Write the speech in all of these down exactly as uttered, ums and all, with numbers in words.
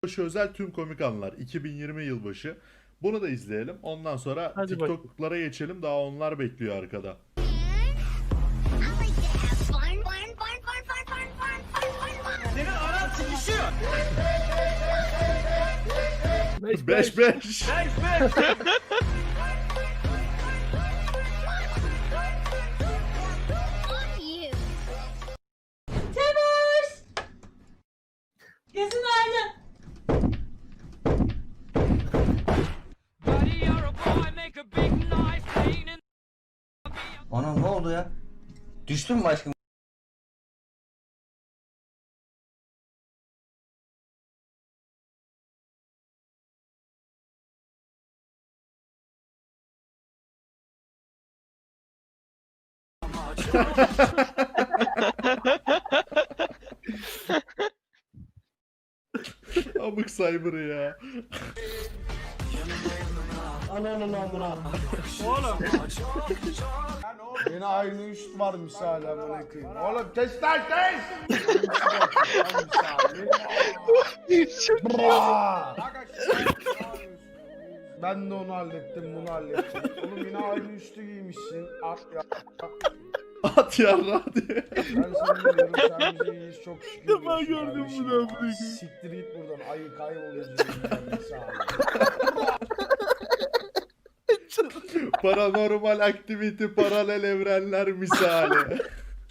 Yılbaşı özel tüm komik anlar iki bin yirmi yılbaşı. Bunu da izleyelim. Ondan sonra Hadi TikTok'lara geçelim. Daha onlar bekliyor arkada. Senin aran sıkışıyor. beş beş. Beş beş. Kesin aynı. Ana ne oldu ya? Düştün mü aşkım? Amık cyber'ı ya. Ananın amına. Oğlum. Yine aynı üst varmış hala bana koyayım. Oğlum kes lan kes! Bra! Ben de onu hallettim, bunu hallettim. Oğlum yine aynı üstü giymişsin. At ya. At yarra diye. Ben seni biliyorum, sen bize iyiyiz çok şükür. Ben diyorsun gördüm kardeşim bunu ya. amına koyayım. Siktir git buradan, ayı kaybol yüzünden. Sağ ol. Paranormal aktivite paralel evrenler misali.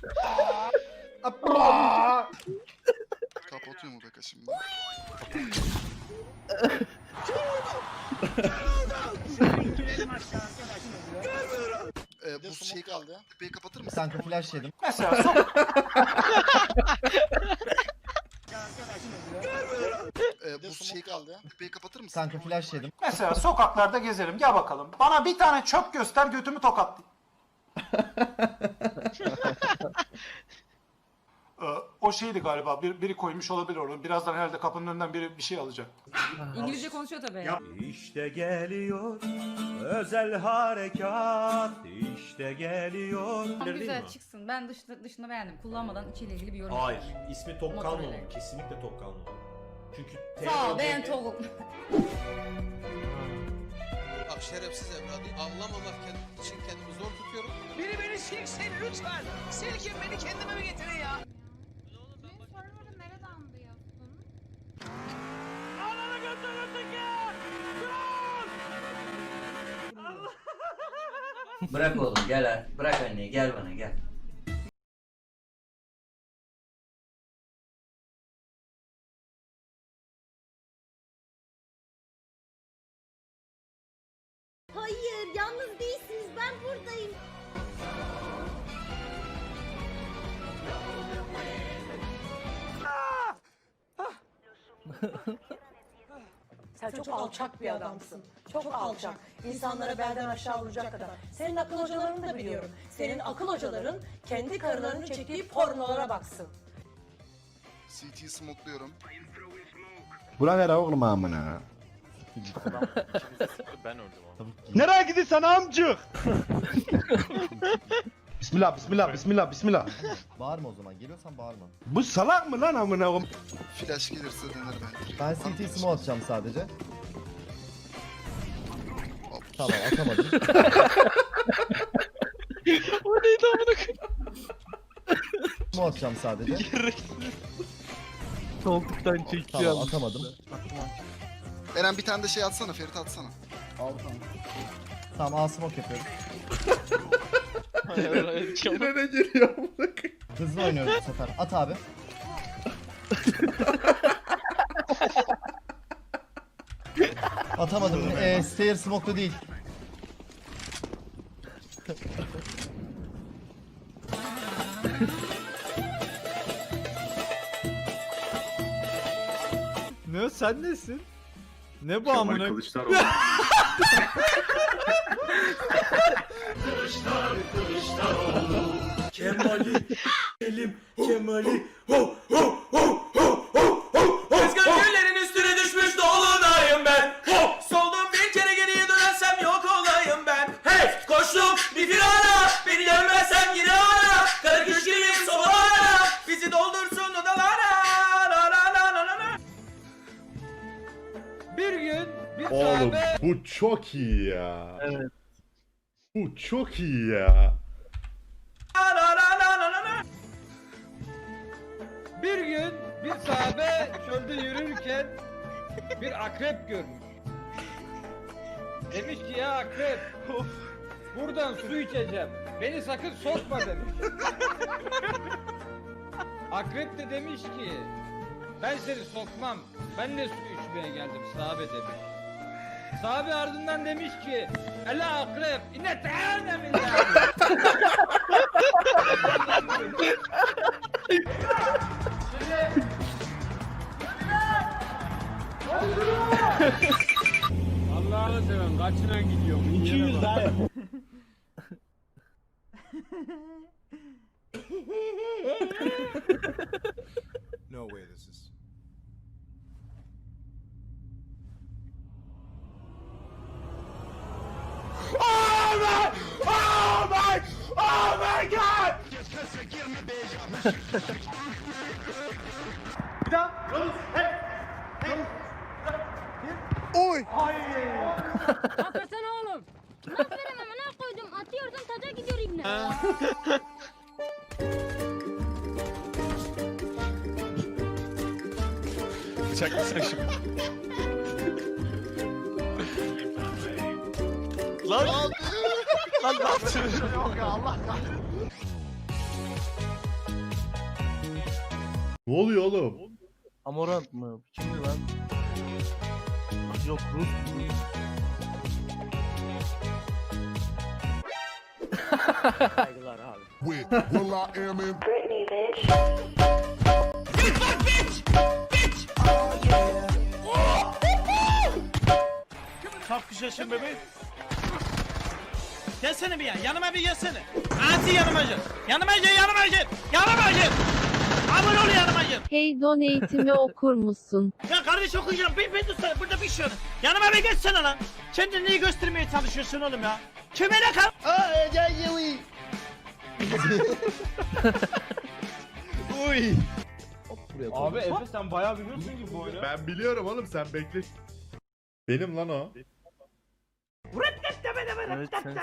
Aa! Kapatıyor mu Beka şimdi? Ee, bu şey kaldı ya. Beyi kapatır mısın? Kanka flash yedim. Mesela sok. Ee, bu şey kaldı ya. Beyi kapatır mısın? Kanka flash yedim. Mesela sokaklarda gezerim. Gel bakalım. Bana bir tane çöp göster, götümü tokatlayayım. Ee, o şeydi galiba. Bir, biri koymuş olabilir onu. Birazdan herhalde kapının önünden biri bir şey alacak. İngilizce konuşuyor tabii. İşte geliyor özel harekat, işte geliyor. Tam güzel çıksın. Ben dışında, dışında beğendim. Kullanmadan içiyle ilgili bir yorum Hayır, yapayım. ismi tok Motor kalmamalı. ile. Kesinlikle tok kalmamalı. Çünkü Sağ ol ben Togul. Bak şerefsiz evladı avlamamak için kendimi zor tutuyorum. Biri beni silsin lütfen. Silkin beni kendime bir getirin ya. Senin server'ı nereden duyuyorsun? Ananı götürürdük ya! Bırak oğlum gel ha. Bırak anneyi gel bana gel. Hayır, yalnız değilsiniz. Ben buradayım. Sen çok alçak bir adamsın. Çok alçak. İnsanlara belden aşağı vuracak kadar. Senin akıl hocalarını da biliyorum. Senin akıl hocaların kendi karılarını çektiği pornolara baksın. C T'yi smokluyorum. Buna ver oğlum amına. Nereye gidiyorsun amcık? Bismillah, bismillah, bismillah, bismillah. Bağırma o zaman. Geliyorsan bağırma. Bu salak mı lan amına koyayım? Flash gelirse denir bence. Ben C T smoke atacağım sadece. Hop. Tamam atamadım. O neydi amına koyayım? Smoke atacağım sadece. Koltuktan çekiyor. Tamam atamadım. Eren bir tane de şey atsana, Ferit atsana. Tamam al smoke yapıyorum. Yine ne geliyor amına koyayım? Hızlı oynuyoruz bu sefer. At abi. Atamadım. Ee, stair smoke'lu değil. Ne sen nesin? Ne bu amına? Kemali, elim, Kemali, ho ho ho ho ho ho. Kızgın güllerin üstüne düşmüş dolunayım ben. Hop! Soldum bir kere geriye dönersem yok olayım ben. Hey! Koştum bir firara. Beni dönmezsem yine ara. Kara kış gibiyim sobalara. Bizi doldursun odalara. La la la la la la. Bir gün bir Oğlum sahabe bu çok iyi ya. Evet. Bu çok iyi ya. bir gün bir sahabe çölde yürürken bir akrep görmüş. Demiş ki ya akrep buradan su içeceğim. Beni sakın sokma demiş. Akrep de demiş ki ben seni sokmam. Ben de su içmeye geldim sahabe demiş. Sahabe ardından demiş ki Ela akrep inne teâne billah. Allah'ını seven kaçına gidiyorum. iki yüz daha yap. No way this is. Hakikaten oğlum. Aferin amına koydum. Atıyorsun taca gidiyor ibne. Lan. Lan ne yaptın? Ne oluyor oğlum? Amorant mı? Kimdi lan? Yok Rus. Saygılar abi. Kalk yaşın bebeğim. Gelsene bir yan. Yanıma bir gelsene. Hadi yanıma gel. Yanıma gel, yanıma gel. Yanıma gel. Abone ol yanıma gel. Hey donate'imi okur musun? Ya kardeş okuyacağım. Bir bir tutsana. Burada bir şey yok. Yanıma bir geçsene lan. Kendini neyi göstermeye çalışıyorsun oğlum ya? Kemere kal. Uy. Abi Efe sen bayağı biliyorsun gibi bu oyunu. Ben biliyorum oğlum, sen bekle. Benim lan o. Evet sensin.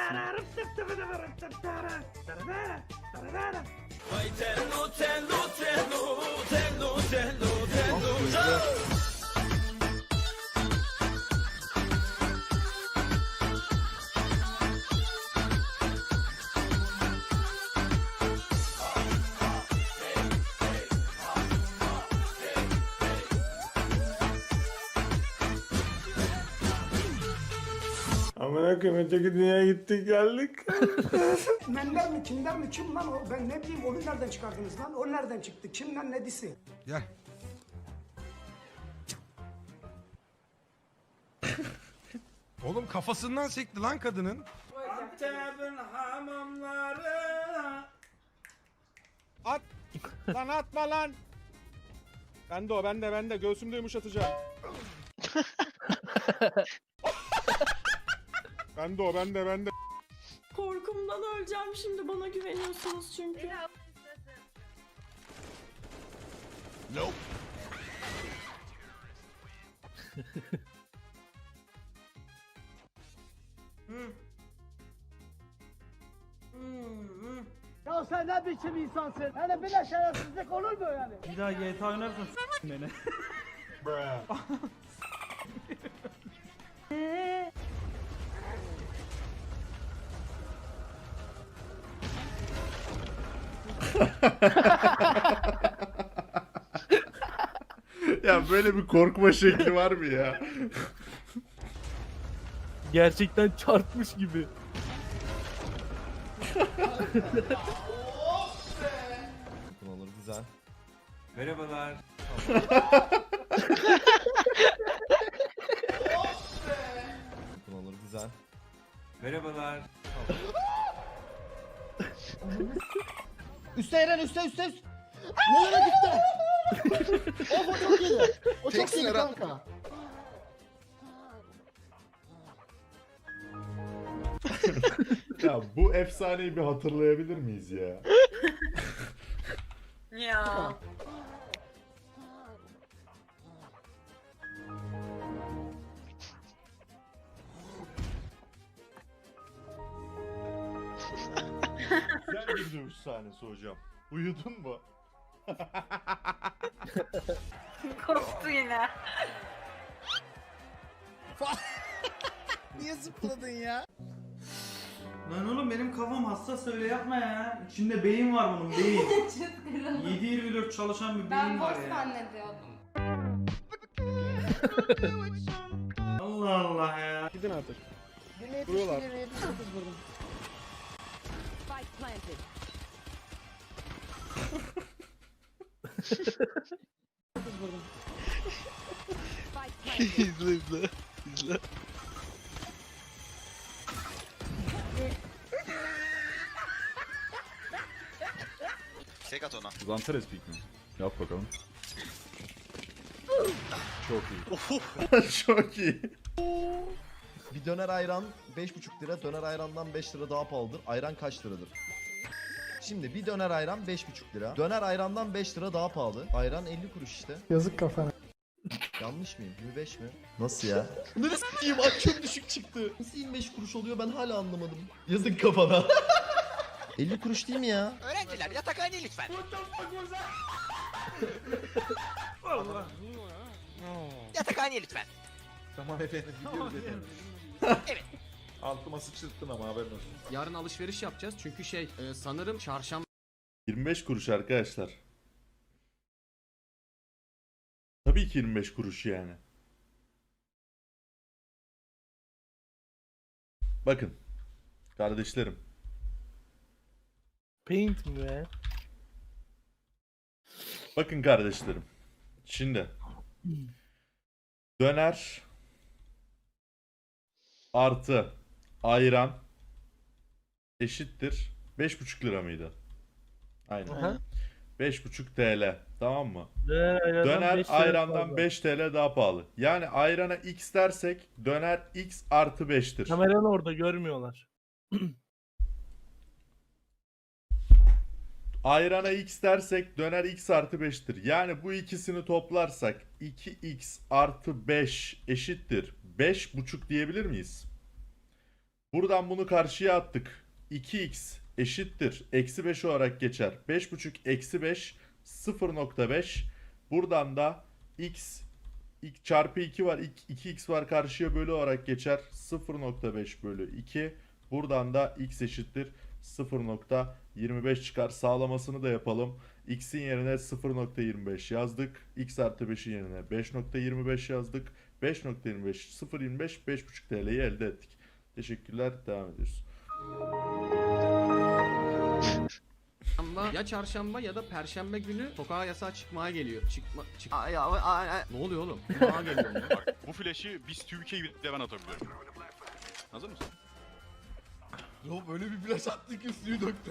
Amına koyayım öteki dünyaya gittik geldik. Menden mi kimden mi kim lan o? Ben ne bileyim onu nereden çıkardınız lan? O nereden çıktı? Kimden ne disi? Gel. Oğlum kafasından sekti lan kadının. Antep'in hamamları. At! Lan atma lan! Bende o bende bende göğsümde yumuşatacağım. Bende o bende bende. Korkumdan öleceğim şimdi bana güveniyorsunuz çünkü. Nope. Ya sen ne biçim insansın? Yani bile şerefsizlik olur mu yani? Bir daha G T A oynarsan s*** beni. Ya böyle bir korkma şekli var mı ya? Gerçekten çarpmış gibi. Olur güzel. Merhabalar. Olur güzel. Merhabalar. Üste Eren üste üste üste. Nereye gitti? Of o çok iyi. O çok Teksin iyi Eren. kanka. Ya bu efsaneyi bir hatırlayabilir miyiz ya? Ya. bir dövüş sahnesi hocam. Uyudun mu? Korktu yine. Niye zıpladın ya? Lan oğlum benim kafam hassas, öyle yapma ya. İçinde beyin var bunun, beyin. yedi yirmi dört çalışan bir beyin var ya. zannediyordum. Allah Allah ya. Gidin artık. Güne Vuruyorlar. Spike planted. Spike planted. izle izle. İzle. Tek at ona. Zanteres peak mi? Yap bakalım. Çok iyi. Çok iyi. Bir döner ayran beş buçuk lira, döner ayrandan beş lira daha pahalıdır. Ayran kaç liradır? Şimdi bir döner ayran beş buçuk lira. Döner ayrandan beş lira daha pahalı. Ayran elli kuruş işte. Yazık kafana. Yanlış mıyım? yirmi beş mi? Nasıl ya? Neresi s**eyim? Ay çok düşük çıktı. Nasıl yirmi beş kuruş oluyor ben hala anlamadım. Yazık kafana. elli kuruş değil mi ya? Öğrenciler yatakhane lütfen. Yatakhane lütfen. Tamam efendim gidiyoruz efendim. Evet. Altıma sıçırttın ama haberin olsun. Yarın alışveriş yapacağız çünkü şey e, sanırım çarşamba yirmi beş kuruş arkadaşlar. Tabii ki yirmi beş kuruş yani. Bakın kardeşlerim. Paint mi be? Bakın kardeşlerim. Şimdi döner artı ayran eşittir beş buçuk lira mıydı? Aynen. Aha. beş buçuk T L. Tamam mı? Döner Döner ayrandan beş T L daha pahalı. Yani ayrana X dersek döner X artı beş'tir. Kameranı orada görmüyorlar. Ayrana X dersek döner X artı beş'tir. Yani bu ikisini toplarsak iki X artı beş eşittir beş buçuk diyebilir miyiz? Buradan bunu karşıya attık. iki X eşittir eksi beş olarak geçer. beş buçuk eksi beş sıfır nokta beş. Buradan da X, X çarpı iki var. iki X var, karşıya bölü olarak geçer. sıfır nokta beş bölü iki. Buradan da X eşittir sıfır nokta yirmi beş çıkar. Sağlamasını da yapalım. X'in yerine sıfır nokta yirmi beş yazdık. X artı beş'in yerine beş nokta yirmi beş yazdık. beş nokta yirmi beş, sıfır nokta yirmi beş, beş buçuk T L'yi elde ettik. Teşekkürler. Devam ediyoruz. ya çarşamba ya da perşembe günü sokağa yasağa çıkmaya geliyor. Çıkma çık. Ne oluyor oğlum? Çıkmaya geliyor. Bak bu flash'i biz Türkiye'yi bile ben atabiliyorum. Hazır mısın? Ya böyle bir flash attık ki suyu döktüm.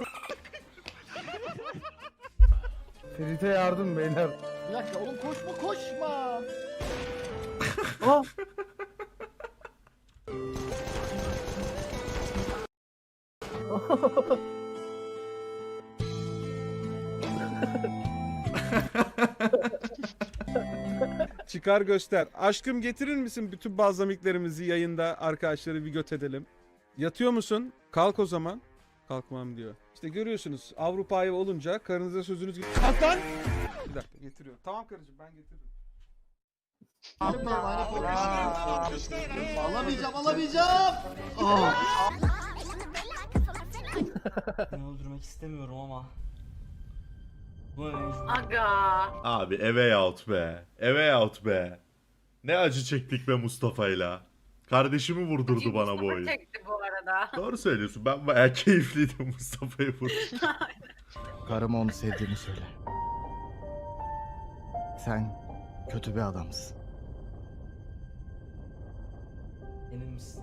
Ferit'e yardım beyler. Bir dakika oğlum koşma koşma. Ah! Çıkar göster. Aşkım getirir misin bütün balzamiklerimizi yayında arkadaşları bir göt edelim. Yatıyor musun? Kalk o zaman. Kalkmam diyor. İşte görüyorsunuz Avrupa'ya olunca karınıza sözünüz gidiyor. Kalk lan! Bir dakika getiriyorum. Tamam karıcığım ben getiririm. Alamayacağım alamayacağım. Ben öldürmek istemiyorum ama. Aga. Abi eve out be. Eve out be. Ne acı çektik be Mustafa'yla. Kardeşimi vurdurdu bana bu oyun. Çekti bu arada. Doğru söylüyorsun. Ben bayağı keyifliydim Mustafa'yı vurdum. Karıma onu sevdiğini söyle. Sen kötü bir adamsın. Emin misin?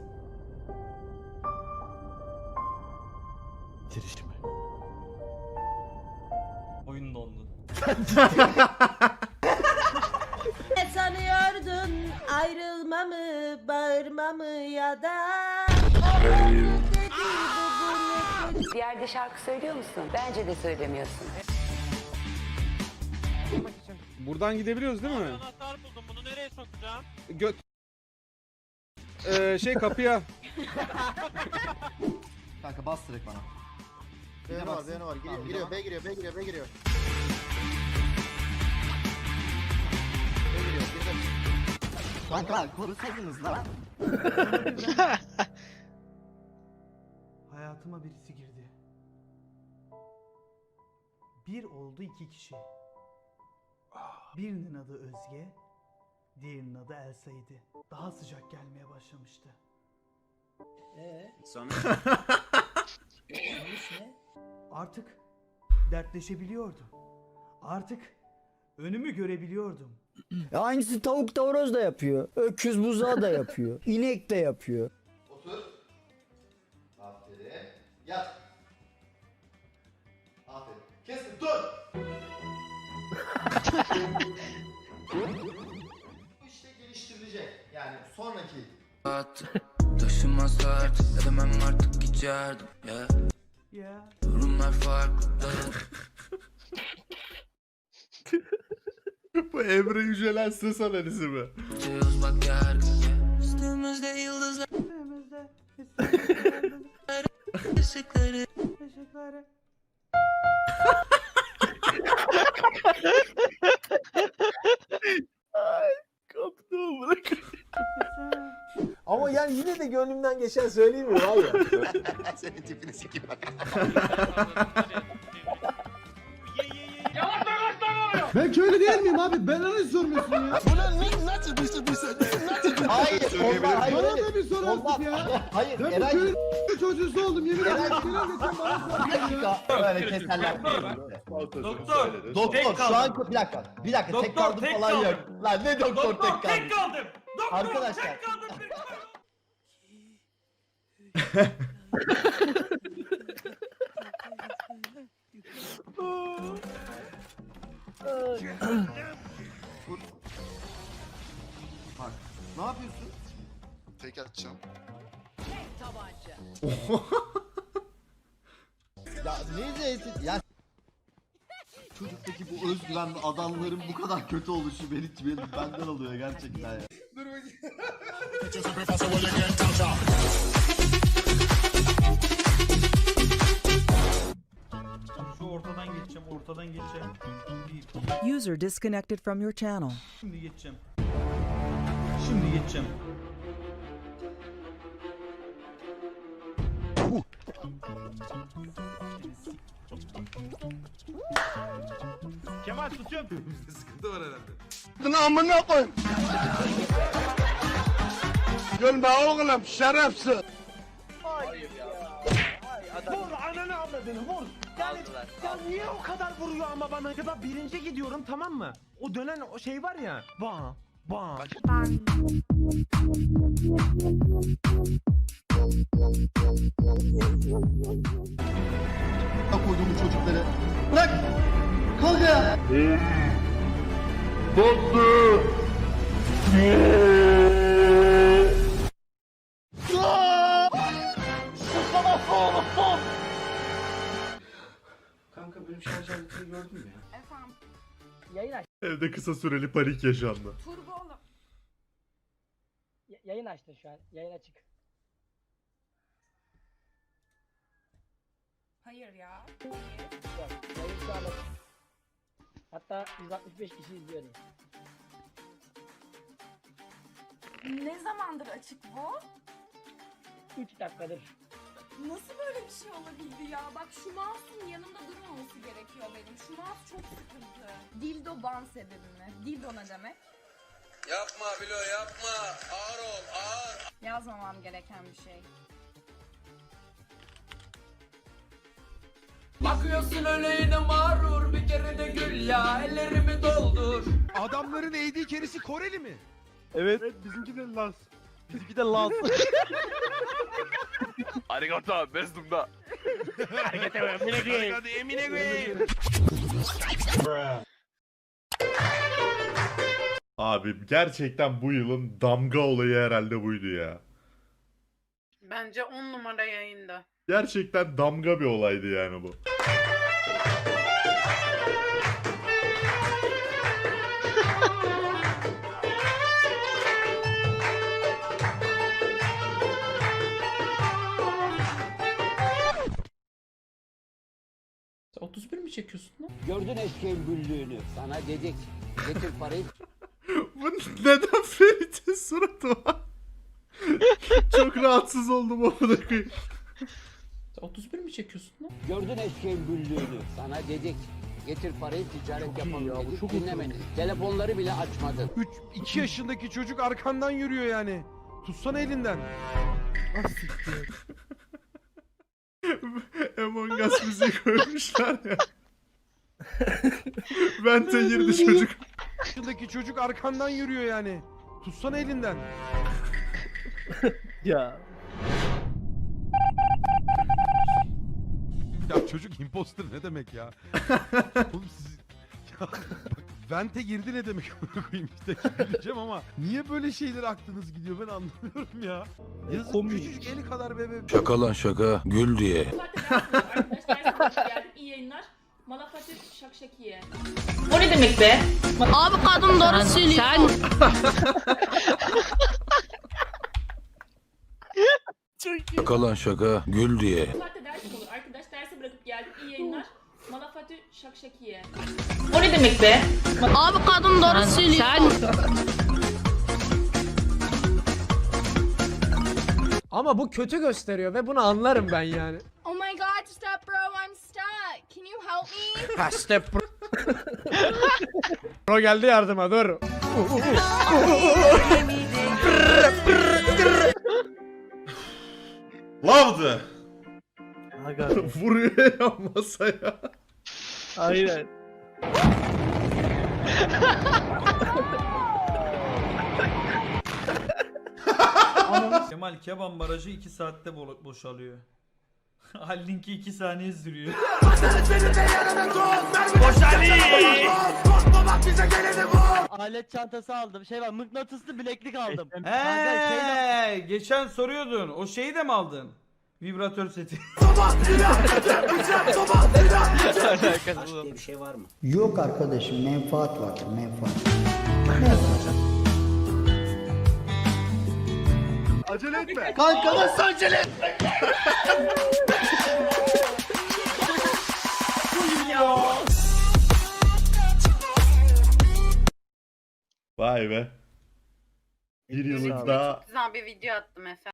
Bitir işimi. Oyun dondu. Ne sanıyordun ayrılmamı, bağırmamı ya da... Bir yerde şarkı söylüyor musun? Bence de söylemiyorsun. Buradan gidebiliyoruz değil mi? Anahtar buldum, bunu nereye sokacağım? Göt. Ee, şey kapıya. Kanka bas direkt bana. B var, B var. Giriyor, giriyor, B giriyor, B giriyor, B giriyor. B giriyor, girdim. Kanka korusaydınız lan. Hayatıma birisi girdi. Bir oldu iki kişi. Birinin adı Özge, diğerinin adı Elsa'ydı. Daha sıcak gelmeye başlamıştı. Ee, sonra Artık dertleşebiliyordum. Artık önümü görebiliyordum. ya aynısı tavuk da horoz da yapıyor. Öküz buzağı da yapıyor. İnek de yapıyor. Otur. Aferin. Yat. Aferin. Kesme dur. Bu işte geliştirilecek. Yani sonraki. Taşımazlar ne demem artık geçerdim ya. Ya. Durumlar farklı. Bu Emre Yücelen ses analizi mi? Bak yargı. Üstümüzde yıldızlar. Önümüzde Işıkları. ışıkları. Ama yani yine de gönlümden geçen söyleyeyim mi abi? Senin tipini sikeyim bak. Ben köylü değil miyim abi? Ben nasıl sormuyorsun ya? Bu ne? Nasıl bir şey? Nasıl? Hayır. Onlar hayır. Bana da bir sor Onlar- artık ya. Hayır. Ben bu Eray. köylü çocuğusu oldum yemin ederim. Eray. Senin geçen bana soruyorsun ya. Böyle keserler. Doktor. Doktor şu an bir dakika. Bir dakika tek Doktor, kaldım tek falan kaldım. yok. Lan ne doktor, tek kaldım. tek kaldım. Doktor Arkadaşlar. tek kaldım. tek kaldım. Bak. Ne yapıyorsun? Tek atacağım. Ya ne zeytin? Ya çocuktaki bu özgüvenli adamların bu kadar kötü oluşu beni, beni benden alıyor gerçekten ya. Dur bakayım. Şu ortadan geçeceğim, ortadan geçeceğim. Bir, User disconnected from your channel. şimdi geçeceğim. Şimdi geçeceğim. Kemal tutuyorum. Sıkıntı var herhalde. Bunu amına koy. Gülme oğlum şerefsiz. Vur ananı avradını vur. Yani ya niye o kadar vuruyor ama bana? Ya birinci gidiyorum tamam mı? O dönen o şey var ya. Ba ba. Ya koydum bu çocukları. Bırak. Kalk ya. Kanka benim şarj aletini gördün mü ya? Efendim. Yayın aç. Evde kısa süreli panik yaşandı. Turbo oğlum. Yayın açtın şu an. Yayın açık. Hayır ya. Yok, yayın şu an açık. Hatta yüz altmış beş kişi izliyordu. Ne zamandır açık bu? üç dakikadır. Nasıl böyle bir şey olabildi ya? Bak şu mouse'un yanımda durmaması gerekiyor benim. Şu mouse çok sıkıntı. Dildo ban sebebi mi? Dildo ne demek? Yapma Bilo yapma. Ağır ol ağır. Yazmamam gereken bir şey. Bakıyorsun öyle yine mağrur. Bir kere de gül ya. Ellerimi doldur. Adamların eğdiği kerisi Koreli mi? Evet. Bizimki de Laz. Bizimki de Laz. Arigato bezdumda. Arigato emine koyayım. Abi gerçekten bu yılın damga olayı herhalde buydu ya. Bence on numara yayında. Gerçekten damga bir olaydı yani bu. otuz bir mi çekiyorsun lan? Gördün eşeğin güldüğünü. Sana dedik. Getir parayı. Bu neden Ferit'in suratı var? Çok rahatsız oldum amına koyayım. otuz bir mi çekiyorsun lan? Gördün eşeğin güldüğünü. Sana dedik. Getir parayı ticaret yapalım dedik. Dinlemedin. Telefonları bile açmadın. üç iki yaşındaki çocuk arkandan yürüyor yani. Tutsana elinden. Ah siktir. Among Us müziği koymuşlar ya. Vente girdi çocuk. yaşındaki çocuk arkandan yürüyor yani. Tutsana elinden. Ya. Ya çocuk imposter ne demek ya? Oğlum siz... Ya bak, Vente girdi ne demek amına koyayım işte güleceğim ama niye böyle şeyler aklınız gidiyor ben anlamıyorum ya. Yazık küçücük eli kadar bebe. Şaka lan şaka. Gül diye. İyi yayınlar. Malafati şakşakiye. O ne demek be? Abi kadın doğru söylüyor. Şaka lan şaka. Gül diye. Saatte ders olur. Arkadaş dersi bırakıp geldik. İyi yayınlar. Malafati şakşakiye. O ne demek be? Abi kadın doğru söylüyor. Ama bu kötü gösteriyor ve bunu anlarım ben yani. Oh my god, stop bro, I'm stuck. Can you help me? Ha step bro. Bro geldi yardıma dur. Lavdı. Vuruyor ya masaya. Aynen. Kemal Keban barajı iki saatte bo- boşalıyor. Hallinki iki saniye sürüyor. Alet çantası aldım. Şey var, mıknatıslı bileklik aldım. Eee, geçen soruyordun. O şeyi de mi aldın? Vibratör seti. Bir şey var mı? Yok arkadaşım, menfaat vardır, menfaat. Acele etme. Kanka nasıl acele etme? Vay be. Bir yıllık daha Güzel bir video attım efendim.